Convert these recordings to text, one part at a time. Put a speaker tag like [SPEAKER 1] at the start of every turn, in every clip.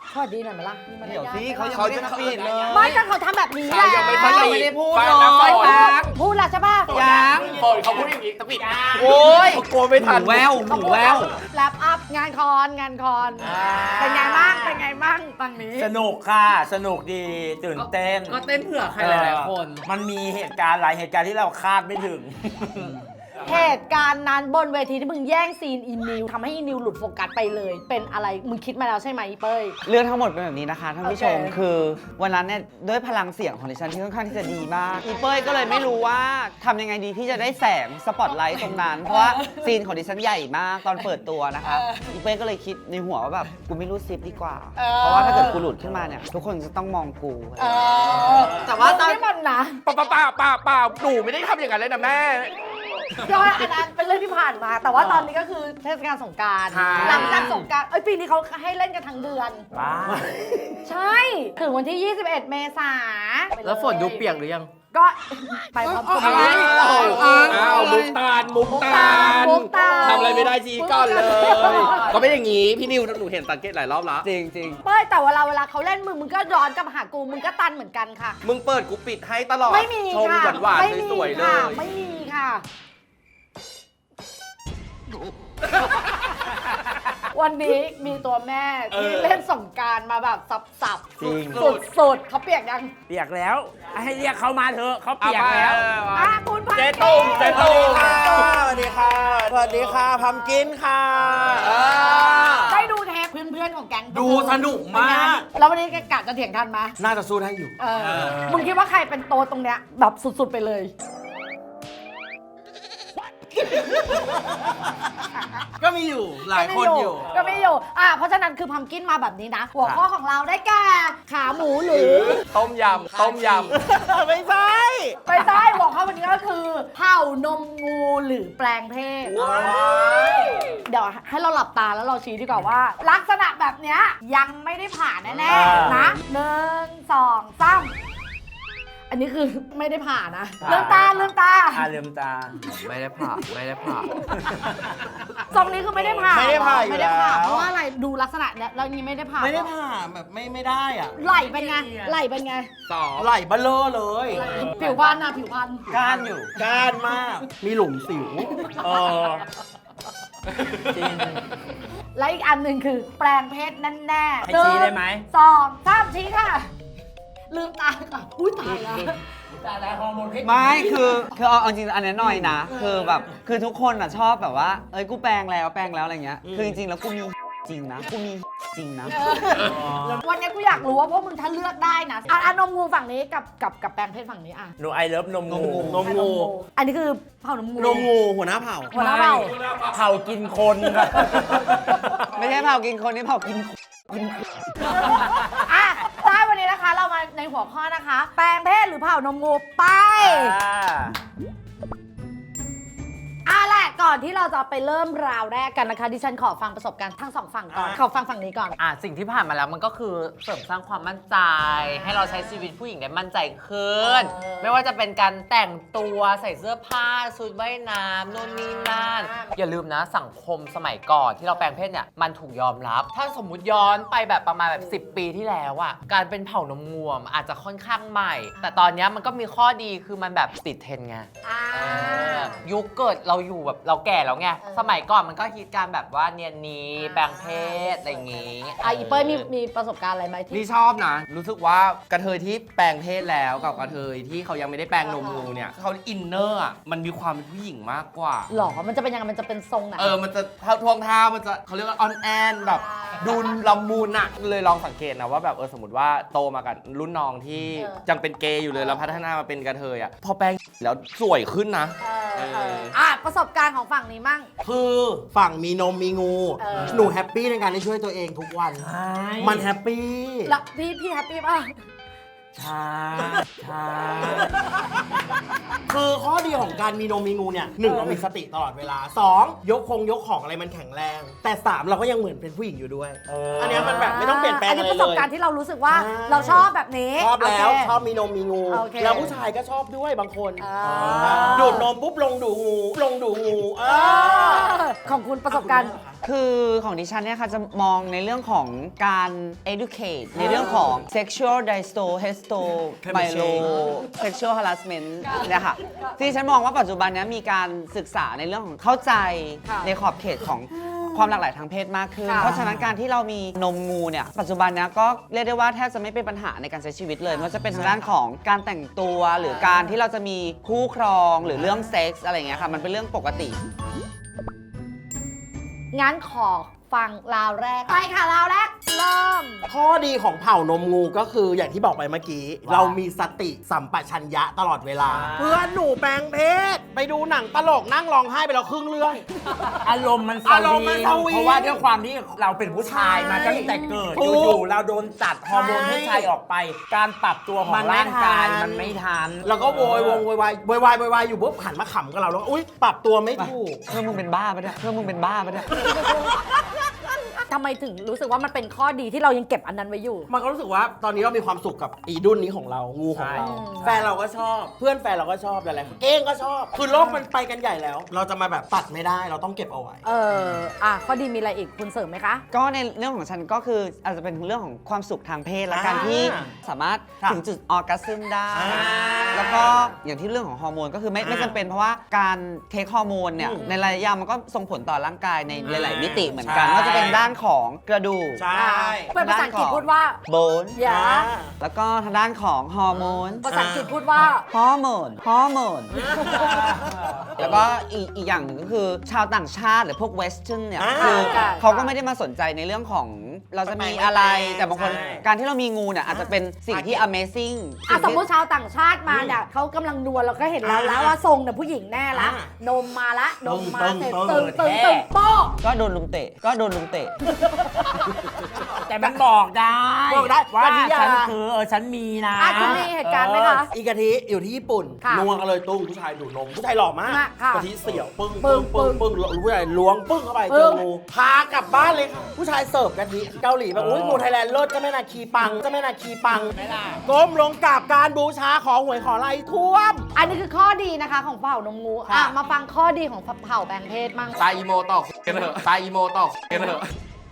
[SPEAKER 1] สวัสดีหน่อยไหมล่ะมีมาร
[SPEAKER 2] เดี๋ยวย
[SPEAKER 1] าท
[SPEAKER 2] สิ
[SPEAKER 1] ไหม
[SPEAKER 2] เขายังไม่ได้ปิดเลย
[SPEAKER 1] ไม่ก็เขาทำแบบนี้แหละ
[SPEAKER 2] เขายังไม่ได้พูด
[SPEAKER 3] ฟัง
[SPEAKER 2] เล
[SPEAKER 3] นะฝ
[SPEAKER 2] ย
[SPEAKER 3] น
[SPEAKER 1] พูดแล้วใช่ป่ะ
[SPEAKER 2] ยัง
[SPEAKER 3] ฝนเขาพูดอย่างนี้ตะปิด
[SPEAKER 2] โอ้ย
[SPEAKER 3] เขากลัวไม่ทัน
[SPEAKER 2] หูแววหูแวว
[SPEAKER 1] แลปอัพงานคอนเป็นไงบ้างเป็นไงบ้างฝั่งนี้
[SPEAKER 2] สนุกค่ะสนุกดีตื่นเต้น
[SPEAKER 4] ก็เต้นเผื่อใครหลายๆคน
[SPEAKER 2] มันมีเหตุการณ์หลายเหตุการณ์ที่เราคาดไม่ถึง
[SPEAKER 1] เหตุการณ์นั้นบนเวทีที่มึงแย่งซีนอินนิวทำให้อินนิวหลุดโฟกัสไปเลย เป็นอะไรมึงคิดมาแล้วใช่ไหมเป้ย
[SPEAKER 5] เรื่องทั้งหมดเป็นแบบนี้นะคะท่านผู้ชม
[SPEAKER 1] โอเค
[SPEAKER 5] คือวันนั้นเนี่ยด้วยพลังเสียงของดิฉันที่ค่อนข้างที่จะดีมากอีเป้ยก็เลยไม่รู้ว่าทำยังไงดีที่จะได้แสงสปอตไลท์ตรงนั้น เพราะว่าซีนของดิฉันใหญ่มากตอนเปิดตัวนะคะอีเป้ยก็เลยคิดในหัวว่าแบบกูไม่รู้ซิปดีกว่า เพราะว่าถ้าเกิดกูหลุดขึ้นมาเนี่ยทุกคนจะต้องมองกู
[SPEAKER 1] แต่ว่าตอนนี้มันนะ
[SPEAKER 3] เปล่าหนูไม่ได้ทำอย่างนั้นเลยนะแม่
[SPEAKER 1] ย้อนอันนั้นเป็นเรื่องที่ผ่านมา แต่ว่าตอนนี้ก็คือเทศกาลสงกรานต์
[SPEAKER 3] ใช่
[SPEAKER 1] หลังจากสงกรานต์ปีนี้เขาให้เล่นกันทั้งเดือน
[SPEAKER 2] บ้า
[SPEAKER 1] ใช่ ถึงวันที่ 21 เมษาไปเย
[SPEAKER 4] แล้วฝนดูเปียกหรือยัง
[SPEAKER 1] ก็ไปพร้อมกัน
[SPEAKER 3] อ้าวมุกตาล
[SPEAKER 1] มุกตาล
[SPEAKER 3] ทำอะไรไม่ได้จีก่อนเลย ก็ไม่อย่างนี้พี่นิวหนูเห็นสังเกตหลายรอบแล้ว
[SPEAKER 5] จริงจริง
[SPEAKER 1] เป้ยแต่เวลาเขาเล่นมึงก็ย้อนกลับมาหากูมึงก็ตันเหมือนกันค่ะ
[SPEAKER 3] มึงเปิดกูปิดให้ตลอด
[SPEAKER 1] ไม่มี
[SPEAKER 3] ชม
[SPEAKER 1] ค่ะ
[SPEAKER 3] หวาน
[SPEAKER 1] ไม่มี
[SPEAKER 3] ๆสวยๆเล
[SPEAKER 1] ค่ะ
[SPEAKER 3] ย
[SPEAKER 1] ไม่มีค่ะ วันนี้มีตัวแม่ที่เล่นสงกรารมาแบบสับ
[SPEAKER 2] จริง
[SPEAKER 1] สุดๆเขาเปียกยัง
[SPEAKER 2] เปียกแล้ว ให้เรียกเขามาเถอะเขาเปียกแล้ว
[SPEAKER 1] คุณพัน
[SPEAKER 3] เจตุ้มเจตุ้ม
[SPEAKER 2] สวัสดีค่ะสวัสดีค่ะพัมกินค่ะ
[SPEAKER 1] ได้ดูเทปเพื่อนๆของแก๊ง
[SPEAKER 2] ดูสนุกมาก
[SPEAKER 1] แล้ววันนี้แกกะจะเถียงทันไหม
[SPEAKER 2] น่าจะสู้ได้อยู่
[SPEAKER 1] มึงคิดว่าใครเป็นโตตรงเนี้ยแบบสุดๆไปเลย
[SPEAKER 2] ก็มีอยู่หลายคนอยู่
[SPEAKER 1] ก็ไม่อยู่เพราะฉะนั้นคือพัมกินมาแบบนี้นะ หัวข้อของเราได้แก่ขาหมูหรือ
[SPEAKER 3] ต้มยำ
[SPEAKER 2] ไม่ใช่
[SPEAKER 1] ไม่ใช่หัวข้อวันนี้ก็คือเผ่านมงูหรือแปลงเพศ เดี๋ยวให้เราหลับตาแล้วเราชี้ดีกว่าว่า ลักษณะแบบเนี้ยยังไม่ได้ผ่านแน่ๆนะ1 2 3อันนี้คือไม่ได้ผ่านนะลืมตา
[SPEAKER 2] ลืมตา
[SPEAKER 4] ไม่ได้ผ่า
[SPEAKER 1] ทรงนี้คือไม่ได้ผ่าน
[SPEAKER 2] ไม่ได้ผ่านอยู่
[SPEAKER 1] ไม่ได้ผ่าน
[SPEAKER 2] แล้ว
[SPEAKER 1] เพราะว่าอะไรดูลักษณะเนี้ยแล้วนี้ไม่ได้ผ่าน
[SPEAKER 2] ไม่ได้ผ่าแบบไม่ได้อ่ะ
[SPEAKER 1] ไหลเป็นไงไหลเป็นไง
[SPEAKER 2] ไหลเบลอเลย
[SPEAKER 1] ผิวพรรณนะผิวพรรณ
[SPEAKER 2] ก้านอยู่ก้านมาก มีหลุมสิวจริง
[SPEAKER 1] และอีกอันหนึ่งคือแปลงเพศแน่ๆ
[SPEAKER 2] ให้ชี้ได้ไหม
[SPEAKER 1] 1 2 3ชี้ค่ะ ลืมตาค่ะอุ้ยตายแล้ว
[SPEAKER 5] ไม่คือเอาจริงๆอันนี้หน่อยนะ คือแบบคือทุกคนอ่ะชอบแบบว่าเอ้ยกูแปลงแล้วอะไรเงี้ยคือจริงๆแล้วกูมีจริงนะกูมีจริงนะ
[SPEAKER 1] วันนี้กูอยากรู้ว่าพวกมึงถ้าเลือกได้นะนมงูฝั่งนี้กับแปลงเพศฝั่งนี้อ่ะ
[SPEAKER 2] หนูไอเลิฟนมงู
[SPEAKER 1] อันนี้คือเผ่านมงู
[SPEAKER 2] นมงูหัวหน้าเผ่า
[SPEAKER 1] หัวหน้าเผ่า
[SPEAKER 2] เผ่ากินคนครับ
[SPEAKER 5] ไม่ใช่เผากินคนนี่เผากิน
[SPEAKER 1] ได้วันนี้นะคะ เรามาในหัวข้อนะคะ แปลงเพศหรือเผ่านมงูไปแหละก่อนที่เราจะไปเริ่มราวแรกกันนะคะดิฉันขอฟังประสบการณ์ทั้งสองฝั่งก่อนขอฟังฝั่งนี้ก่อน
[SPEAKER 4] สิ่งที่ผ่านมาแล้วมันก็คือเสริมสร้างความมั่นใจ ให้เราใช้ชีวิตผู้หญิงได้มั่นใจขึ้น ไม่ว่าจะเป็นการแต่งตัวใส่เสื้อผ้าชุดว่ายน้ำนู่นนี่นั่นอย่าลืมนะสังคมสมัยก่อนที่เราแปลงเพศเนี่ยมันถูกยอมรับ ถ้าสมมุติย้อนไปแบบประมาณแบบ10 ปีที่แล้วอะการเป็นเผ่านมงวมอาจจะค่อนข้างใหม่ แต่ตอนนี้มันก็มีข้อดีคือมันแบบติดเทรนด์ไงยุคเกิดเราอยู่แบบเราแก่แล้วไงสมัยก่อนมันก็ฮิตการแบบว่าเนียนนี้แปลงเพศอะไรอย่างงี้
[SPEAKER 1] อีเปิ้ลมีประสบการณ์อะไรไหมที่
[SPEAKER 3] นี่ชอบนะ รู้สึกว่ากระเทยที่แปลงเพศแล้วกับกระเทยที่เขายังไม่ได้แปลงนมงูเนี่ยเขาอินเนอร์อ่ะมันมีความเป็นผู้หญิงมากกว่า
[SPEAKER 1] หรอมันจะเป็นยังไงมันจะเป็นทรงไหน
[SPEAKER 3] มันจะทวงท่ามันจะเขาเรียกว่าออนแอนแบบดูละมุนอะเลยลองสังเกตนะว่าแบบสมมติว่าโตมากับรุ่นน้องที่ยังเป็นเกย์อยู่เลยแล้วพัฒนามาเป็นกระเทยอะพอแปลงแล้วสวยขึ้นนะ
[SPEAKER 1] ประสบการณ์ของฝั่งนี้มั่ง
[SPEAKER 6] คือฝั่งมีนมมีงู หนูแฮปปี้ในการได้ช่วยตัวเองทุกวัน มันแฮปปี้
[SPEAKER 1] แล้วพี่แฮปปี้ป่ะ
[SPEAKER 2] ช้า
[SPEAKER 6] คือข้อดีของการมีนมมีงูเนี่ย1เรามีสติตลอดเวลา2ยกของอะไรมันแข็งแรง แต่3เราก็ยังเหมือนเป็นผู้หญิงอยู่ด้วย อันเนี้ยมันแบบไม่ต้องเปลี่ยนแปลง
[SPEAKER 1] อัน
[SPEAKER 6] อะ
[SPEAKER 1] นี้
[SPEAKER 6] ไร
[SPEAKER 1] ประส
[SPEAKER 6] เล
[SPEAKER 1] บ
[SPEAKER 6] ย
[SPEAKER 1] การณ์ที่เรารู้สึกว่า
[SPEAKER 6] ใช่
[SPEAKER 1] เราชอบแบบนี้
[SPEAKER 6] ชอบแล้ว
[SPEAKER 1] โเค
[SPEAKER 6] ชอบมีนมมีงู
[SPEAKER 1] โอเค
[SPEAKER 6] แล้วผู้ชายก็ชอบด้วยบางคน
[SPEAKER 1] อ่า
[SPEAKER 6] ดูดนมปุ๊บลงดูงู
[SPEAKER 1] ของคุณประสบการณ์
[SPEAKER 5] คือของดิฉันเนี่ยค่ะจะมองในเรื่องของการ educate ในเรื่องของ sexual dysto hesto mylo sexual harassment เนี่ยค่ะที่ดิฉันมองว่าปัจจุบันเนี้มีการศึกษาในเรื่องของเข้าใจในขอบเขตของความหลากหลายทางเพศมากขึ้น เพราะฉะนั้นการที่เรามีนมงูเนี่ยปัจจุบันเนี้ก็เรียกได้ว่าแทบจะไม่เป็นปัญหาในการใช้ชีวิตเลยไม่ว่าจะเป็นทางด้านของการแต่งตัวหรือการที่เราจะมีคู่ครองหรือเรื่องเซ็กส์อะไรอย่างเงี้ยค่ะมันเป็นเรื่องปกติ
[SPEAKER 1] งั้นขอฟังราวแรกไปค่ะราวแรกเริ่ม
[SPEAKER 6] ข้อดีของเผ่านมงูก็คืออย่างที่บอกไปเมื่อกี้ เรามีสติสัมปชัญญะตลอดเวลา เพื่อนหนูแปลงเพศ ไปดูหนังตลกนั่งร้องไห้ไปแล้วครึ่งเรื่อง
[SPEAKER 2] อารมณ์มันส
[SPEAKER 6] อารมณ์มันสวิง
[SPEAKER 2] เพราะว่าด้วยความที่เราเป็นผู้ชายมา
[SPEAKER 6] ใช่
[SPEAKER 2] ตั้งแต่เกิด
[SPEAKER 6] ถูก
[SPEAKER 2] อยู่ๆเราโดนจัดฮอร์โมน
[SPEAKER 6] ใช่
[SPEAKER 2] เพศชายออกไป การปรับตัวขอ
[SPEAKER 6] มั
[SPEAKER 2] ง
[SPEAKER 6] นไม่
[SPEAKER 2] ร่างกาย
[SPEAKER 6] ทัน
[SPEAKER 2] มันไม่ทัน
[SPEAKER 6] แล้วก็โวยวายอยู่ปุ๊บหันมาขำกับเราแล้วอุ๊ยปรับตัวไม่ถูก
[SPEAKER 5] เพื่อนมึงเป็นบ้าปะเนี่ยเพื่อนมึงเป็นบ้าปะเนี่ย
[SPEAKER 1] ทำไมถึงรู้สึกว่ามันเป็นข้อดีที่เรายังเก็บอันนั้นไว้อยู่
[SPEAKER 6] มันก็รู้สึกว่าตอนนี้เรามีความสุขกับอีดุนนี้ของเรางูของเรา
[SPEAKER 2] ใช่
[SPEAKER 6] แฟนเราก็ชอบ เพื่อนแฟนเราก็ชอบหลายๆคนเก้งก็ชอบ คือโลกมันไปกันใหญ่แล้ว เราจะมาแบบตัดไม่ได้เราต้องเก็บเอาไว้
[SPEAKER 1] ข้อดีมีอะไรอีกคุณเสริมไหมคะ
[SPEAKER 5] ก็ในเรื่องของฉันก็คืออาจจะเป็นเรื่องของความสุขทางเพศและการที่สามารถ
[SPEAKER 6] ค่ะ
[SPEAKER 5] ถึงจุดออร์กัสซึมได้
[SPEAKER 6] อ่า
[SPEAKER 5] แล้วก็อย่างที่เรื่องของฮอร์โมนก็คือไม่จำเป็นเพราะว่าการเทคฮอร์โมนเนี่ย
[SPEAKER 6] อืม
[SPEAKER 5] ในระยะยาวมันก็ส่งผลต่อร่างกายในหลาย ๆ มิติเหมือนกัน
[SPEAKER 6] ใช่
[SPEAKER 5] ว่าจะเป็นด้านของกระดูก
[SPEAKER 6] ใช่
[SPEAKER 1] เป็นภาษาอังกฤษพูดว่า
[SPEAKER 5] โบน
[SPEAKER 1] อย่า
[SPEAKER 5] แล้วก็ทางด้านของฮอร์โมน
[SPEAKER 1] ภาษาอังกฤษพูดว่า
[SPEAKER 5] ฮอร์โมนแล้วก็อีกอย่างหนึ่งก็คือชาวต่างชาติหรือพวกเวสเทิร์นเนี่ย
[SPEAKER 6] อ่า
[SPEAKER 5] คือ
[SPEAKER 1] ใช่
[SPEAKER 5] เขาก็ไม่ได้มาสนใจในเรื่องของเราจะมีอะไร แต่บางคน
[SPEAKER 6] ใช่
[SPEAKER 5] การที่เรามีงูเนี่ยอาจจะเป็นสิ่งที่ amazing
[SPEAKER 1] สมมติชาวต่างชาติมาเนี่ยเขากำลังนวลเราก็เห็นแล้ว
[SPEAKER 6] อ่า
[SPEAKER 1] ว่าทรงเนี่ยผู้หญิงแน่ละ
[SPEAKER 6] อ่าน
[SPEAKER 1] มมาละนมมา
[SPEAKER 6] ตึง
[SPEAKER 1] เสร็จ
[SPEAKER 6] ตึ
[SPEAKER 1] ตึ
[SPEAKER 6] ง
[SPEAKER 1] ง
[SPEAKER 6] แท้
[SPEAKER 1] ตึงโป๊ะ
[SPEAKER 5] ก็โดนลุมเตะ
[SPEAKER 2] แต่มันบอกได้
[SPEAKER 6] บอกได้
[SPEAKER 2] ว่า
[SPEAKER 6] ว่า
[SPEAKER 2] ฉันคือฉันมีนะ
[SPEAKER 1] คุณมีเหตุการณ์ไหมคะ
[SPEAKER 6] อีกะทิอยู่ที่ญี่ปุ่น
[SPEAKER 1] ค่ะ
[SPEAKER 6] นัวกันเลยตุ้งผู้ชายดูดนมผู้ชายหล่อมาก
[SPEAKER 1] ค่ะ
[SPEAKER 6] กะทิเสี่ยวปึ้ง
[SPEAKER 1] ปึ้
[SPEAKER 6] ปึ้
[SPEAKER 1] ง
[SPEAKER 6] งปึ้งปึ้งผู้ชายล้วงปึ้งเข้าไป
[SPEAKER 1] ปึ้
[SPEAKER 6] เจอง งูพากลับบ้านเลยค่ะผู้ชายเสิร์ฟกะทิเกาหลีแบบอุ้ยงูไทยแลนด์เลิศเจ้าแม่นาคีปังเจ้าแม่นาคีปังก้มลงกราบการบูชาขอหวยขออะไรท่วม
[SPEAKER 1] อันนี้คือข้อดีนะคะของเผ่านมงูมาฟังข้อดีของเผ่าแปลงเพศมั่ง
[SPEAKER 3] ตายอีโมต่อกันเถอะตายอีโมต่อกันเถอะ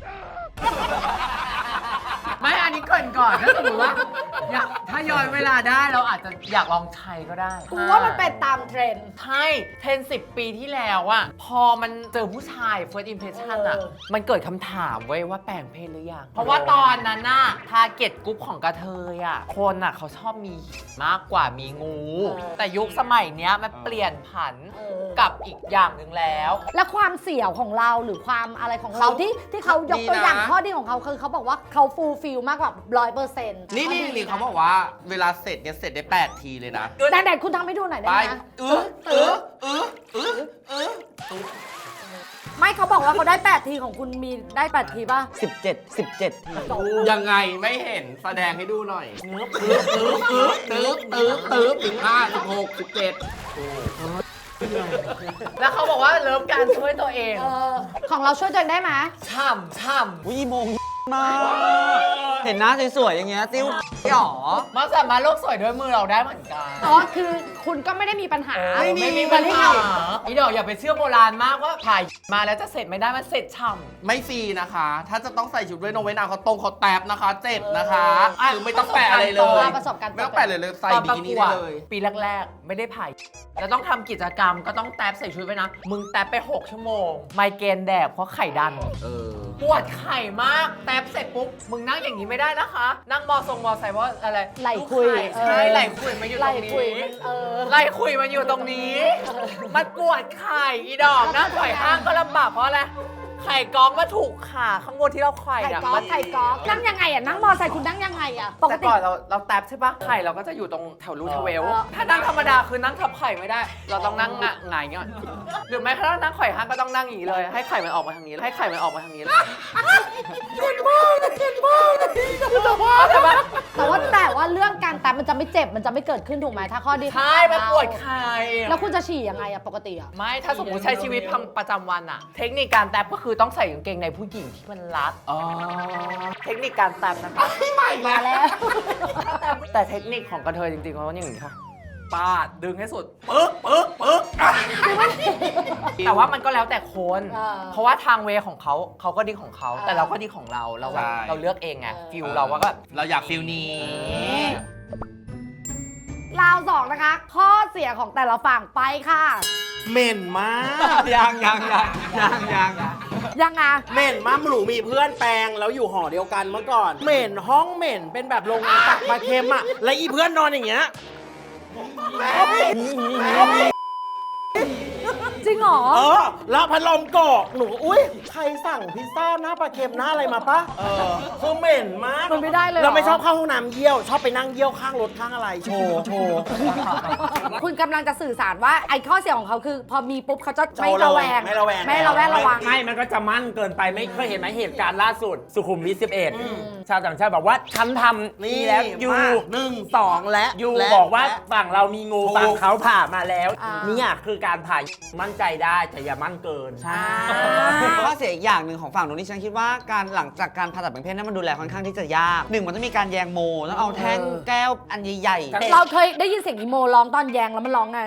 [SPEAKER 4] ไม่อันนี้เกรินก่อนถ้าสมมติว่าถ้าย้อนเวลาได้เราอาจจะอยากลองใช้ก็ได้
[SPEAKER 1] กูว่ามันเป็นตามเทรนด์
[SPEAKER 4] ใช่เทรน10 ปีที่แล้วอะพอมันเจอผู้ชาย first impression อะมันเกิดคำถามไว้ยว่าแปลงเพศหรือยัง เพราะว่าตอนนั้นน่ะทาร์เก็ตกรุ๊ปของกระเทยอะคนอะเขาชอบมีมากกว่ามีงู แต่ยุคสมัยเนี้ยมันเปลี่ยนผันกับอีกอย่างหนึ่งแล้ว
[SPEAKER 1] และความเสี่ยวของเราหรือความอะไรของเราที่เขายกตัวอย่างข้อดีของเขาคือเขาบอกว่าเขาฟูลฟิลมากกว่า 100%
[SPEAKER 3] นี่เขาบอกว่าเวลาเสร็จเนี่ยเสร็จได้ 8 ทีเลยนะ
[SPEAKER 1] แต่คุณทำให้ดูหน่อยได้
[SPEAKER 3] ไป
[SPEAKER 1] ไหมนะ ไม่เขาบอกว่าเขาได้ 8 ทีของคุณมีได้ 8 ทีป่ะ
[SPEAKER 5] 17 ที
[SPEAKER 3] ยังไงไม่เห็นแสดงให้ดูหน่อยตึ๊บ15 16 17
[SPEAKER 4] แล้วเขาบอกว่าเริ่มการช่วยตัวเอง
[SPEAKER 1] ของเราช่วยตัวเองได้ไหม
[SPEAKER 4] ช่ำ
[SPEAKER 5] วิโมงมากเห็นหน้าสวยๆอย่างเงี้ยติ้วหรอ
[SPEAKER 4] มันสามารถโลกสวยด้วยมือเราได้เหมือนกัน
[SPEAKER 1] อ๋อ คือคุณก็ไม่ได้มีปัญหา
[SPEAKER 4] ไม่มีปัญหาอีดอกอย่าไปเชื่อโบราณมากว่าถ่ายมาแล้วจะเสร็จไม่ได้มันเสร็จช่ำ
[SPEAKER 3] ไม่ฟรีนะคะ ถ้าจะต้องใส่ชุดเว้ยนงเว้ยนางเขาตรงเขาแตบนะคะ เจ็บนะคะคือไม่ต้องแปะอะไรเลย
[SPEAKER 1] ประสบการณ์ตรง
[SPEAKER 3] ไม่ต้องแปะเลยใส่บิกินี่ได้เลย
[SPEAKER 4] ปีแรกๆ ไม่ได้ผ่ายแล้วต้องทำกิจกรรมก็ต้องแท็บใส่ชุดไว้นะ มึงแท็บไป 6 ชั่วโมง ไมเกรนแดกเพราะไข่ดัน ปวดไข่มาก แท็บเสร็จปุ๊บ มึงนั่งอย่างนี้ไม่ได้นะคะ นั่งมอไซค์เพราะอะไร
[SPEAKER 1] ไหล่คุย
[SPEAKER 4] ลูกไข่ใช่ไหล่คุยมาอยู่ต
[SPEAKER 1] ไหล่
[SPEAKER 4] รง
[SPEAKER 1] คุย
[SPEAKER 4] นี้
[SPEAKER 1] มัน
[SPEAKER 4] ไล่คุยมันอยู่ตรงนี้ มันปวดไข่อีดอกนั่งไข่ห้างก็ลำบากเพราะอะไร ไข่ก้องมาถูกขาข้างบนที่เราไข่
[SPEAKER 1] ไข่
[SPEAKER 4] เนี่ย
[SPEAKER 1] กอล์ฟไข่กอล์ฟนั่งยังไงอ่ะ นั่งมอไซค์คุณนั่งยังไงอ่ะ ปก
[SPEAKER 4] แต่
[SPEAKER 1] ติ
[SPEAKER 4] ก่อนเราแท็บใช่ปะไข่เราก็จะอยู่ตรงแถวรูทเวล ถ้านั่งธรรมดาคือนั่งทับไข่ไม่ได้ เราต้องนั่งหงายเงี้ยหรือไม่ถ้านั่งไข่ห้างก็ต้องนั่งอย่างนี้เลย ให้ไข่มันออกมาทางนี้ให้ไข่มันออกมาทางนี้เลย
[SPEAKER 1] แต่ว่าเรื่องการแตะมันจะไม่เจ็บ มันจะไม่เกิดขึ้นถูกไหมถ้าข้อดีของ
[SPEAKER 4] ใช่
[SPEAKER 1] เรา
[SPEAKER 4] มันปวดไข่
[SPEAKER 1] แล้วคุณจะฉี่ยังไงอ่ะ ปกติอ่ะ
[SPEAKER 4] ไม่ถ้าสมมติใช้ชีวิตประจำวันอะเทคนิคการแท็บก็คือต้องใส่กางเกงในผู้หญิงที่มันรัดเทคนิคการแท็บนะคะ
[SPEAKER 1] มาแล้ว
[SPEAKER 4] แต่เทคนิคของกระเทยจริงๆเขาต้องอย่างนี้ค่ะปาดดึงให้สุดปึ๊กแต่ว่ามันก็แล้วแต่คน เพราะว่าทางเวของเขาก็ดีของเขาแต่เราก็ดีของเราเราเลือกเองไงฟิลเราว่าก็
[SPEAKER 3] เราอยากฟิลนี้
[SPEAKER 1] ราวสองนะคะ ข้อเสียของแต่ละฝั่งไปค่ะ
[SPEAKER 6] เหม็นมาก
[SPEAKER 5] ยัง
[SPEAKER 1] ยังไง
[SPEAKER 6] เหม็นมากหนูมีเพื่อนแปลงแล้วอยู่หอเดียวกันเมื่อก่อน เหม็นห้องเหม็นเป็นแบบโรงงานตักปลาเค็มอ่ะแล้วอีเพื่อนนอนอย่างเงี้ย
[SPEAKER 1] จริงเหรอ
[SPEAKER 6] แล้วพัดลมกอกหนูอุ้ยใครสั่งพิซซ่าหน้าปลาเค็มหน้าอะไรมาปะคือเหม็นมาก
[SPEAKER 1] มันไม่ได้เลยเหรอ
[SPEAKER 6] เราไม่ชอบเข้าห้องน้ำเยี่ยวชอบไปนั่งเยี่ยวข้างรถข้างอะไรโชว์
[SPEAKER 1] คุณกำลังจะสื่อสารว่าไอ้ข้อเสียของเขาคือ พอมีปุ๊บเขาจะไม่
[SPEAKER 6] โชว์
[SPEAKER 1] ระแวง
[SPEAKER 6] ไม่ระแวง
[SPEAKER 1] ไม่ระแวงระวัง
[SPEAKER 2] ไม่มันก็จะมั่นเกินไปไม่เคยเห็นไหมเหตุการณ์ล่าสุด สุขุมวิท11 ชาวต่างชาติบอกว่าฉันทำนี่แล้วอยู่
[SPEAKER 6] 1 2 และ
[SPEAKER 2] อยู่
[SPEAKER 6] และ
[SPEAKER 2] บอกว่าฝั่งเรามีงู
[SPEAKER 6] ถูก
[SPEAKER 2] ฝั่งเขาผ่ามาแล้ว
[SPEAKER 1] อ่า
[SPEAKER 2] เนี่ยคือการผ่ามั่นใจได้แต่อย่ามั่นเกิน
[SPEAKER 6] ใช่
[SPEAKER 5] ข้อเสียอีกอย่างหนึ่งของฝั่งนู้นที่ฉันคิดว่าการหลังจากการผ่าตัดแปลงเพศนั้นมันดูแลค่อนข้างที่จะยากหนึ่งมันต้องมีการแยงโมต้องเอาแท่งแก้วอันใหญ่ๆ
[SPEAKER 1] เราเคยได้ยินเสียงอีโมร้องตอนแยงแล้วมันร้องไง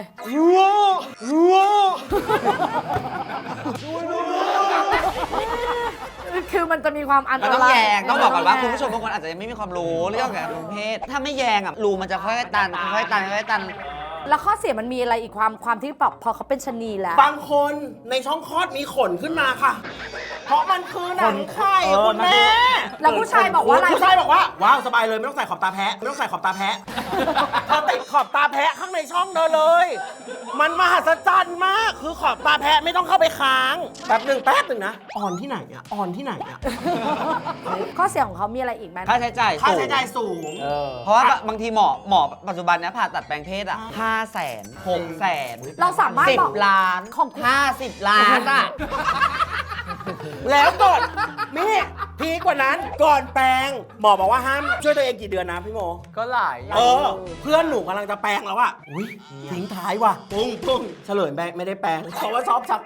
[SPEAKER 1] คือมันจะมีความอันต
[SPEAKER 5] มันต้อง
[SPEAKER 1] ราย
[SPEAKER 5] แยงต้องบอกก่อนว่าคุณผู้ชมบางคนอาจจะยังไม่มีความรู้เรื่องการเพศถ้าไม่แยงอ่ะรูมันจะค่อยๆตันค่อยๆตันค่อยๆตัน
[SPEAKER 1] แล้วข้อเสียมันมีอะไรอีกความที่แบบพอเขาเป็นชะนีแล้ว
[SPEAKER 6] บางคนในช่องคลอดมีขนขึ้นมาค่ะ เพราะมันคือหนังไข่
[SPEAKER 2] เออ
[SPEAKER 6] คุณแม่
[SPEAKER 1] แล้วผู้ชายบอกว่าอะไร
[SPEAKER 6] ผู้ชายบอกว่าว้าวสบายเลยไม่ต้องใส่ขอบตาแพะไม่ต้องใส่ขอบตาแพะเธอติดขอบตาแพะข้างในช่องเธอเลย มันมหัศจรรย์มากคือขอบตาแพะไม่ต้องเข้าไปค้างแป๊บหนึ่งนะอ่อนที่ไหนอ่ะอ่อนที่ไหนอ่ะ
[SPEAKER 1] ข้อเสียของเขามีอะไรอีกไหม
[SPEAKER 5] ค่าใช้จ่าย
[SPEAKER 6] ค่า
[SPEAKER 5] สู
[SPEAKER 6] ใช้
[SPEAKER 5] ง
[SPEAKER 6] จ่ายสูง
[SPEAKER 5] เพราะว่าบางทีหมอปัจจุบันเนี้ยผ่าตัดแปลงเพศอ่ะ500,000 600,000
[SPEAKER 1] เราสามารถบอก
[SPEAKER 5] 10 ล้าน
[SPEAKER 1] ของคุณ
[SPEAKER 5] 50 ล้านอ่ะ
[SPEAKER 6] แล้วก่อนมีพีกว่านั้นก่อนแปลงหมอบอกว่าห้ามช่วยตัวเองกี่เดือนนะพี่โม
[SPEAKER 4] ก็หลาย
[SPEAKER 6] เพื่อนหนูกำลังจะแปลงแล้วอะอุ้ยทิ้งท้ายว่ะปุ้งเฉลยไม่ได้แปลงเพราะว่าชอบชัก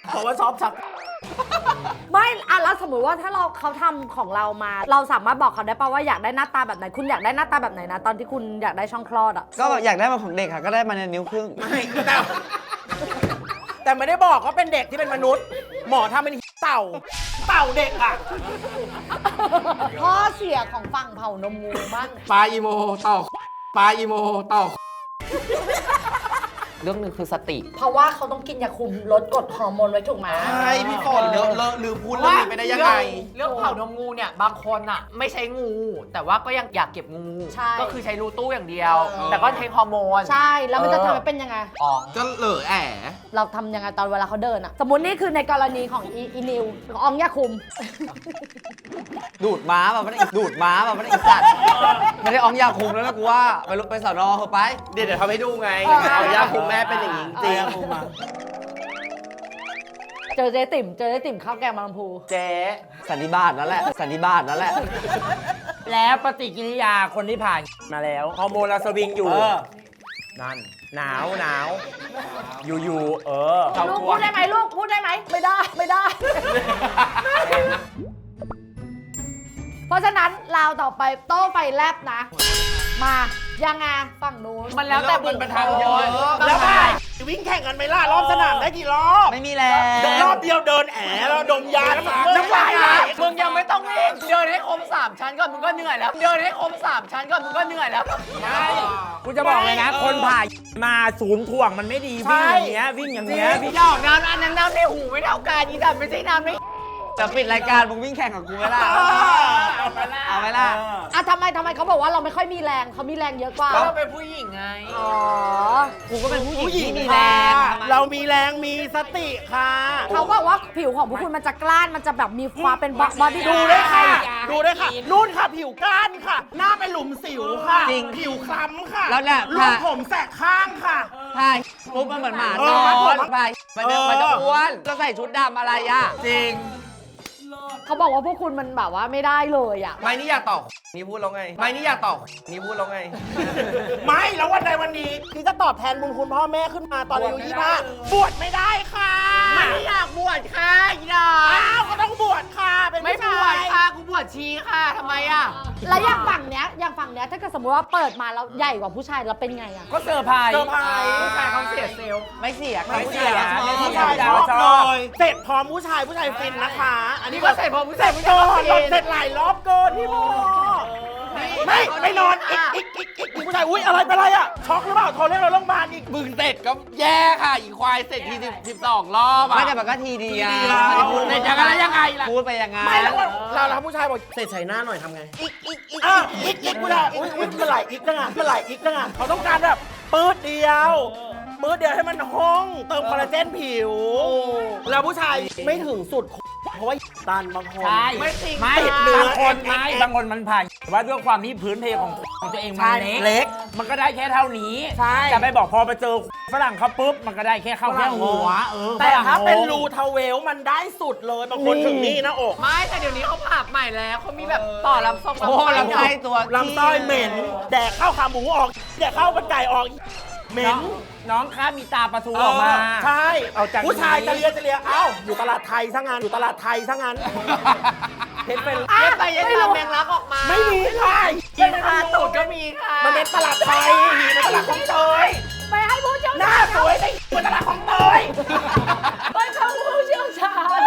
[SPEAKER 1] ไม่อะแล้วสมมติว่าถ้าเขาทำของเรามา เราสามารถบอกเขาได้ป่าว่าอยากได้หน้าตาแบบไหน คุณอยากได้หน้าตาแบบไหนนะ ตอนที่คุณอยากได้ช่องคลอดอ่ะ
[SPEAKER 5] ก็แบบอยากได้มาของเด็กค่ะ ก็ได้มาในนิ้วครึ่ง
[SPEAKER 6] ไม่แต่ไม่ได้บอกว่าเป็นเด็กที่เป็นมนุษย์ หมอทำเป็นเต่าเด็กอะ
[SPEAKER 1] ข้อเสียของฝั่งเผ่านมงูบ้าง
[SPEAKER 3] ปลาอีโมต่อปลาอีโมต่อ
[SPEAKER 4] เรื่องหนึ่งคือสติ
[SPEAKER 1] เพราะว่าเขาต้องกินยาคุมลดกรดฮอร์โมนไว้ถูกไหม
[SPEAKER 3] ใช่พี่ฝนเลอะลืมพูดเรื่องนี้ไปได้ยังไง
[SPEAKER 4] เรื่องเผานมงูเนี่ยบางคนอ่ะไม่ใช้งู แต่ว่าก็ยังอยากเก็บงู
[SPEAKER 1] ใช่
[SPEAKER 4] ก็คือใช้รูตู้อย่างเดียว แต่ก็เทคฮอร์โมน
[SPEAKER 1] ใช่ แล้วมันจะทำให้เป็นยังไง
[SPEAKER 4] อ๋อ
[SPEAKER 3] ก็เหลอแอะ
[SPEAKER 1] เราทำยังไงตอนเวลาเขาเดินอะสมมตินี่คือในกรณีของอีนิวของอองยาคุม
[SPEAKER 5] ดูดม้าแบบไม่ได้ดูดม้าแบบไม่ได้อีสัตว์ไม่ได้อองยาคุมแล้วนะกูว่าไปสอนอเถอะไป
[SPEAKER 3] เดี๋ยวทำให้ดูไง
[SPEAKER 1] เออ
[SPEAKER 3] เอาย่าคุมแม่เป็นอย่างนี้จริง
[SPEAKER 1] เจอเจ๊ติ๋มข้าวแกงบางลำพู
[SPEAKER 2] เจ๊
[SPEAKER 5] สันนิบาตนั่นแหละสันนิบาตนั่นแหละ
[SPEAKER 2] แล้วปฏิกิริยาคนที่ผ่านมาแล้วฮอร์โมนเราสวิงอยู่ นั่น หนาว อยู่เขา
[SPEAKER 1] ลูก
[SPEAKER 2] กลัว
[SPEAKER 1] พูดได้ไหมลูกพูดได้ไหมไม่ได้ เพราะฉะนั้นเราต่อไปโต้ไฟแลบนะ มายังไงฝั่งนู้น
[SPEAKER 4] มันแล้วแต่บุค
[SPEAKER 3] มัน
[SPEAKER 4] ค
[SPEAKER 3] ทางเย
[SPEAKER 4] ล
[SPEAKER 3] อะ
[SPEAKER 6] แล้วไงวิ่งแข่งกันไหมล่ะรอบสนามได้กี่รอบ
[SPEAKER 5] ไม่มีแรง
[SPEAKER 6] รอบเดียวเดินแอะแล้วดมยาแล้วมันน้ำลายไหล
[SPEAKER 4] มึงยังไม่ต้องวิ่งเดินให้ครบ3 ชั้นก่อนมึงก็เหนื่อยแล้ว เดินให้ครบ3 ชั้นก่อนมึงก็เหนื่อยแล้ว
[SPEAKER 2] กูจะบอกเลยนะ คนผ่ามาศูนย์ถ่วงมันไม่ดีวิ่งอย่างเงี้ยวิ่งอย่างเงี้ย
[SPEAKER 4] พี่ดอกน้ำอันนั้นน้ำในหูไม่เท่ากันอีดันไม่ใช่น้ำใน
[SPEAKER 5] จะปิดรายการมึงวิ่งแข่งกับกูไหมล่ะเอาไหมล่ะ
[SPEAKER 1] อ่ะทำไมเขาบอกว่าเราไม่ค่อยมีแรงเขามีแรงเยอะกว่า
[SPEAKER 4] ก็เราเป็นผู้หญิงไง
[SPEAKER 1] อ๋อ
[SPEAKER 5] กูก็เป็นผู้หญิง
[SPEAKER 6] ผู้หญิง
[SPEAKER 5] ที่มี
[SPEAKER 6] มี
[SPEAKER 5] แร
[SPEAKER 6] แรง ง
[SPEAKER 5] ทำไม
[SPEAKER 6] เรามีแรงมีสติค่ะ
[SPEAKER 1] เขาบอกว่าผิวของพวกคุณมันจะกล้านมันจะแบบมีความเป็นบอดี้
[SPEAKER 6] ดูด้วยค่ะ ดูด้วยค่ะ นู่นค่ะผิวก้านค่ะ หน้าเป็นหลุมสิวค่ะ
[SPEAKER 5] จริง
[SPEAKER 6] ผิวคล้ำค่ะ
[SPEAKER 5] แล้วเนี่ย
[SPEAKER 6] ลูกผมแสกข้างค่ะ
[SPEAKER 5] ใช่ปุ๊บมันเหมือนหมาน
[SPEAKER 6] เอ
[SPEAKER 5] อ
[SPEAKER 6] อน
[SPEAKER 5] ไปมันจะอ้วนจะใส่ชุดดำอะไรอ่ะ
[SPEAKER 3] จริง
[SPEAKER 1] เขาบอกว่าพวกคุณมันแบบว่าไม่ได้เลยอ่ะ
[SPEAKER 3] ไม่นี่อยากตอบนี่พูดแล้วไง ไม่นี่อยากตอบนี่พูดแล้วไง
[SPEAKER 6] ไม่แล้ววันใดวันนี้ที่จะตอบแทนบุญคุณพ่อแม่ขึ้นมาตอนอายุ25บวชไม่ได้ค่ะ
[SPEAKER 4] ไม่อยากบวชค่ะอีดา
[SPEAKER 6] อ้าวก็ต้องบวชค่ะ เป็น
[SPEAKER 4] ไม่
[SPEAKER 6] ผู้
[SPEAKER 4] บว
[SPEAKER 6] ชา
[SPEAKER 4] ช
[SPEAKER 6] ย
[SPEAKER 4] ค่ะกูบวชชีค่ะทำไมอ่ะ
[SPEAKER 1] แล้วอย่างฝั่งเนี้ยถ้าเกิดสมมติว่าเปิดมาแล้วใหญ่กว่าผู้ชายแล้วเป็นไงอะ
[SPEAKER 2] ก็เซอร์ไพรส์
[SPEAKER 6] เซอร์ไพรส์
[SPEAKER 2] ผู้ชายเขาเสียเซลล์
[SPEAKER 5] ไม่เสีย
[SPEAKER 2] ไม่เสีย
[SPEAKER 6] ผู้ชายชอบเลยเสร็จพร้อมผู้ชายฟินนะคะ อันนี้ก็เสร็จพร้อมผู้ชายเสร็จหลายรอบเกินพี่โมไม่นอนอีกผู้ชายอุ้ยอะไรเป็นไรอะช็อกหรือเปล่าโทรเรียกเราโรงพยาบาลอีก
[SPEAKER 3] มึงเสร็จก็แย่ค่ะ อีควายเสร็จที12 รอบอ่ะ
[SPEAKER 5] ไม่แต่มันก็ทีเดียว
[SPEAKER 6] ทีเดียว
[SPEAKER 5] พูด
[SPEAKER 3] เสร็จยังไงแล้วยังไงล่ะ
[SPEAKER 5] พูดไปยังไง
[SPEAKER 6] ไม่แล้วเราผู้ชายบอกเสร็จใส่หน้าหน่อยทำไงอีกผู้ชายอุ้ยมันไหลอีกจังอ่ะเขาต้องการแบบปื๊ดเดียวให้มันห้องเติมคอลลาเจนผิว แล้วผู้ชายไม่ถึงสุดเพราะว่าตันบางคน
[SPEAKER 2] ใช่
[SPEAKER 6] ไม่จริง
[SPEAKER 2] ไม่
[SPEAKER 6] ติดเนื้อบ
[SPEAKER 2] างคนไม่บางคนมันผ่านว่าด้วยความที่พื้นเพของตัวเองมันเล็ก มันก็ได้แค่เท่านี้
[SPEAKER 6] ใช่
[SPEAKER 2] จะไปบอกพอไปเจอฝรั่งเขาปุ๊บมันก็ได้แค่เข้าแค่หัว
[SPEAKER 6] แต่ถ้าเป็น
[SPEAKER 2] ฝรั่งงง
[SPEAKER 6] รูทาเวลมันได้สุดเลยบางคนถึงนี่นะอก
[SPEAKER 4] ไม่แต่เดี๋ยวนี้เขาปรับใหม่แล้วเขามีแบบต่อลำทรง
[SPEAKER 5] โอ้ลำไส้ตัว
[SPEAKER 6] ลำไส้เหม็นแดกข้าวขาหมูออกแดกข้าวมันไก่ออกเหม็น
[SPEAKER 2] น้องคะมีตาประตูออกมา
[SPEAKER 6] ใช่
[SPEAKER 2] เอาจาก
[SPEAKER 6] ผู้ชายจะเลียเอ้าอยู่ตลาดไทยซะงั้นเห็นเป็น
[SPEAKER 4] เย็นไปเย็นมาแมงลักออกมา
[SPEAKER 6] ไม่มีค่ะ
[SPEAKER 4] กินคาตูดก็มีค่ะ
[SPEAKER 6] มันเป็นตลาดไทยหีในตลาดของเตย
[SPEAKER 1] ไปให้ผู้เชี่ยว
[SPEAKER 6] หน้า
[SPEAKER 1] ชาญ
[SPEAKER 6] สวยได้เหมือนตลาดของเตย
[SPEAKER 1] ไปเข้าผู้เชี่ยวชาญ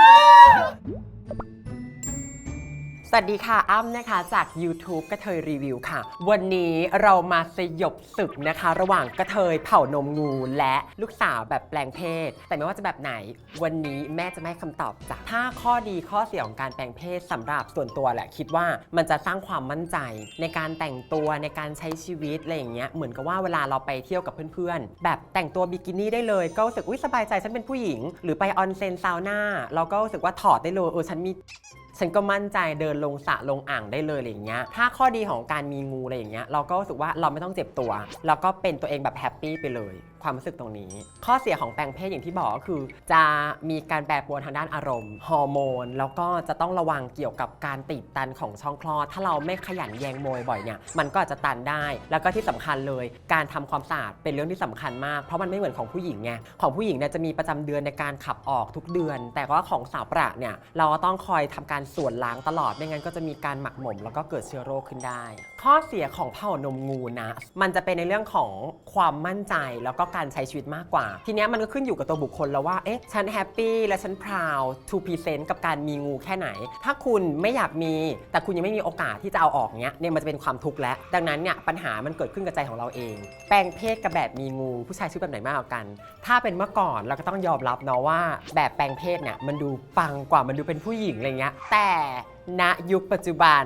[SPEAKER 7] สวัสดีค่ะอ้ำนะคะจาก YouTube กระเทยรีวิวค่ะ วันนี้เรามาสยบศึกนะคะ ระหว่างกระเทยเผ่านมงูและลูกสาวแบบแปลงเพศ แต่ไม่ว่าจะแบบไหนวันนี้แม่จะไม่ให้คำตอบจาก5ข้อดีข้อเสียของการแปลงเพศสำหรับส่วนตัวแหละคิดว่ามันจะสร้างความมั่นใจในการแต่งตัวในการใช้ชีวิตอะไรอย่างเงี้ยเหมือนกับว่าเวลาเราไปเที่ยวกับเพื่อนๆแบบแต่งตัวบิกินี่ได้เลยก็รู้สึกอุ๊ยสบายใจฉันเป็นผู้หญิงหรือไปออนเซ็นซาวน่าเราก็รู้สึกว่าถอดได้เลยฉันก็มั่นใจเดินลงสระลงอ่างได้เลยอะไรอย่างเงี้ยถ้าข้อดีของการมีงูอะไรอย่างเงี้ยเราก็รู้สึกว่าเราไม่ต้องเจ็บตัวแล้วก็เป็นตัวเองแบบแฮปปี้ไปเลยความรู้สึกตรงนี้ข้อเสียของแปลงเพศอย่างที่บอกก็คือจะมีการแปรปรวนทางด้านอารมณ์ฮอร์โมนแล้วก็จะต้องระวังเกี่ยวกับการตีบตันของช่องคลอดถ้าเราไม่ขยันแยงโมยบ่อยเนี่ยมันก็อาจจะตันได้แล้วก็ที่สำคัญเลยการทำความสะอาดเป็นเรื่องที่สำคัญมากเพราะมันไม่เหมือนของผู้หญิงไงของผู้หญิงเนี่ยจะมีประจำเดือนในการขับออกทุกเดือน แต่ว่าของสาวประเนี่ยเราก็ต้องคอยทำการส่วนล้างตลอดไม่งั้นก็จะมีการหมักหมมแล้วก็เกิดเชื้อโรคขึ้นได้ข้อเสียของเผ่านมงูนะมันจะเป็นในเรื่องของความมั่นใจแล้วก็การใช้ชีวิตมากกว่าทีนี้มันก็ขึ้นอยู่กับตัวบุคคลแล้วว่าเอ๊ะฉันแฮปปี้และฉันพราวทูพรีเซนต์กับการมีงูแค่ไหนถ้าคุณไม่อยากมีแต่คุณยังไม่มีโอกาสที่จะเอาออกเนี้ยมันจะเป็นความทุกข์แล้วดังนั้นเนี่ยปัญหามันเกิดขึ้นกับใจของเราเองแปลงเพศกับแบบมีงูผู้ชายชื่อแบบไหนมากกว่ากันถ้าเป็นเมื่อก่อนเราก็ต้องยอมรับเนาะว่าแบบแปลงเพศเนี่ยมันดูปังกว่ามันดูเป็นผู้หญิงอะไรเงี้ยแต่ณยุคปัจจุบัน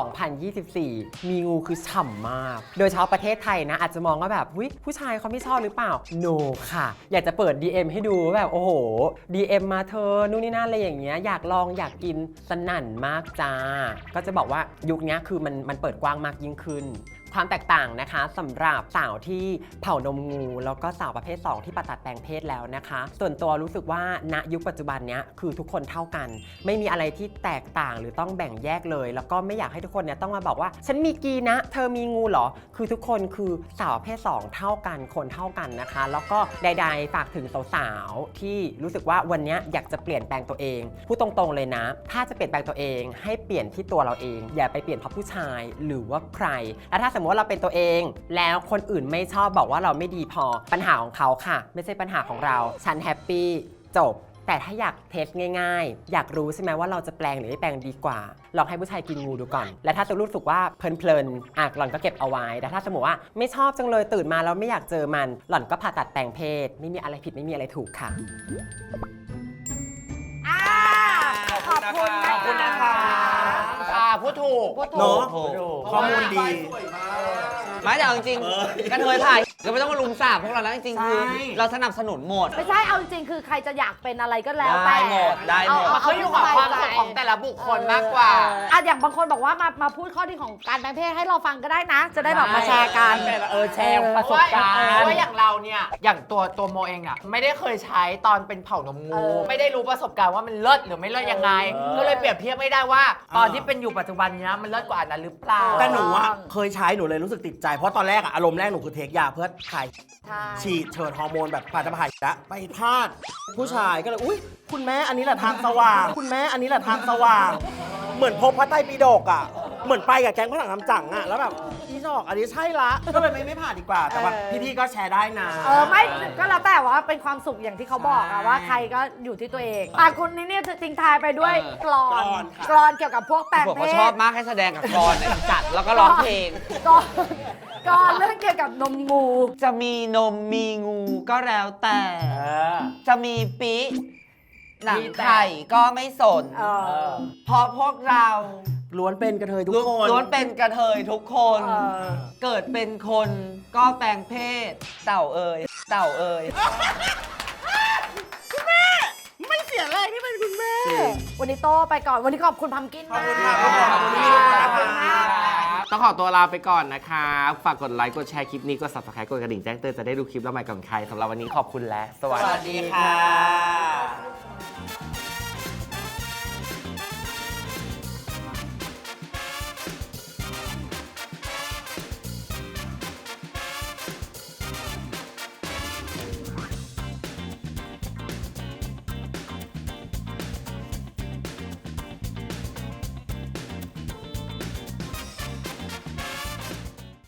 [SPEAKER 7] 2024 มีงูคือฉ่ำมาก โดยเฉพาะประเทศไทยนะอาจจะมองว่าแบบผู้ชายเขาไม่ชอบหรือเปล่า no ค่ะ อยากจะเปิด DM ให้ดูแบบโอ้โห DM มาเธอนู่นนี่นั่นอะไรอย่างเงี้ยอยากลองอยากกินสนั่นมากจ้า ก็จะบอกว่ายุคนี้คือมันเปิดกว้างมากยิ่งขึ้น ความแตกต่างนะคะสำหรับสาวที่เผ่านมงูแล้วก็สาวประเภท 2 ที่ตัดแปลงเพศแล้วนะคะส่วนตัวรู้สึกว่าณยุคปัจจุบันเนี้ยคือทุกคนเท่ากันไม่มีอะไรที่แตกต่างหรือต้องแบ่งแยกเลยแล้วก็ไม่อยากให้ทุกคนเนี่ยต้องมาบอกว่าฉันมีกีนะเธอมีงูเหรอคือทุกคนคือสาวประเภท 2 เท่ากันคนเท่ากันนะคะแล้วก็ใดๆฝากถึงสาวๆที่รู้สึกว่าวันนี้อยากจะเปลี่ยนแปลงตัวเองพูดตรงๆเลยนะถ้าจะเปลี่ยนแปลงตัวเองให้เปลี่ยนที่ตัวเราเองอย่าไปเปลี่ยนเพราะผู้ชายหรือว่าใครและถ้าสมมติว่าเราเป็นตัวเองแล้วคนอื่นไม่ชอบบอกว่าเราไม่ดีพอปัญหาของเขาค่ะไม่ใช่ปัญหาของเราฉันแฮปปี้จบแต่ถ้าอยากเทสง่ายๆอยากรู้ใช่ไหมว่าเราจะแปลงหรือไม่แปลงดีกว่าลองให้ผู้ชายกินงูดูก่อนและถ้าจะรู้สึกว่าเพลินๆหล่อนก็เก็บเอาไว้แต่ถ้าสมมติว่าไม่ชอบจังเลยตื่นมาแล้วไม่อยากเจอมันหล่อนก็ผ่าตัดแปลงเพศไม่มีอะไรผิดไม่มีอะไรถูกค่ะ
[SPEAKER 1] ขอบคุณนะคะ
[SPEAKER 4] พูดถูก
[SPEAKER 6] เนาะข้อมูลดี
[SPEAKER 5] ไม่แต่เอาจริงๆกระเทยถ่ายก็ไม่ต้องมาลุมสาบพวกเราแล้วจริงๆคือเราสนับสนุนหมด
[SPEAKER 1] ไม่ใช่เอาจริงๆคือใครจะอยากเป็นอะไรก็แล้วแต่
[SPEAKER 5] ได้หมดได้หมด
[SPEAKER 1] เอา
[SPEAKER 4] เขาอยู่กับความสุขของแต่ละบุคคลมากกว่า
[SPEAKER 1] อย่างบางคนบอกว่ามาพูดข้อดีของการแปลงเพศให้เราฟังก็ได้นะ จะได้แบบมาแชร์กัน
[SPEAKER 2] แชร์ประสบการณ์
[SPEAKER 4] เพราะว่าอย่างเราเนี่ยอย่างตัวโมเองอ่ะไม่ได้เคยใช้ตอนเป็นเผ่านมงูไม่ได้รู้ประสบการณ์ว่ามันเลิศหรือไม่เลิศยังไงก็เลยเปรียบเทียบไม่ได้ว่าตอนที่เป็นอยู่ปัจจุบันเนี้ยมันเลิศกว่าอันนั้นหรือเปล่า
[SPEAKER 6] แต่หนูอะเคยใช้หนูเลยรู้สึกติดใจเพราะตอนแรกอะอารมณ์แรกหนูคือเทคยาเพื่อถ่าย
[SPEAKER 1] ใช่
[SPEAKER 6] ฉีดเฉิดฮอร์โมนแบบผ่าจะผ่าละไปพลาดผู้ชายก็เลยอุ้ยคุณแม่อันนี้แหละทางสว่าง คุณแม่อันนี้แหละทางสว่าง เหมือนพบพระไตรปิฎกอะเหมือนไปกับแก๊งฝรั่งน้ำจังอะแล้วแบบอีดอกอันนี้ใช่ละก็เลยไม่ผ่านดีกว่า แต่ว่าพี่ๆก็แชร์ได้นะ
[SPEAKER 1] ไม่ก็แล้วแต่ว่าเป็นความสุขอย่างที่เขาบอกอะว่าใครก็อยู่ที่ตัวเองคุณนี่เนี่ยทิ้งทายไปด้วยกลอนเกี่ยวกับพวกแปลง
[SPEAKER 5] ผม
[SPEAKER 1] เพ
[SPEAKER 5] ก็
[SPEAKER 1] ศ
[SPEAKER 5] ชอบมากให้แสดงกับกรเนี่ยจัดแล้วก็ร้องเพลง
[SPEAKER 1] ก่อนเรื่องเกี่ยวกับนมงู
[SPEAKER 5] จะมีนมมีงูก็แล้วแต่ จะมีปิหนังไข่ก็ไม่สน เพราะพวกเรา
[SPEAKER 6] ล้วนเป็นกระเทยทุกคน
[SPEAKER 5] ล้วนเป็นกระเทยทุกคน เกิดเป็นคนก็แปลงเพศ เต่าเอ่ยเต่าเอ่ย
[SPEAKER 6] ไม่เสียแรงที่เป็นคุณแม่
[SPEAKER 1] วันนี้โตไปก่อนวันนี้ขอบคุณพัมกินมาก
[SPEAKER 6] ขอบคุณมาก
[SPEAKER 3] ต้องขอตัวลาไปก่อนนะคะ ฝากกดไลค์กดแชร์คลิปนี้กด subscribe กดกระดิ่งแจ้งเตือนจะได้ดูคลิปแล้วใหม่ก่อนใครสำหรับวันนี้ขอบคุณและสวัสดีค่ะ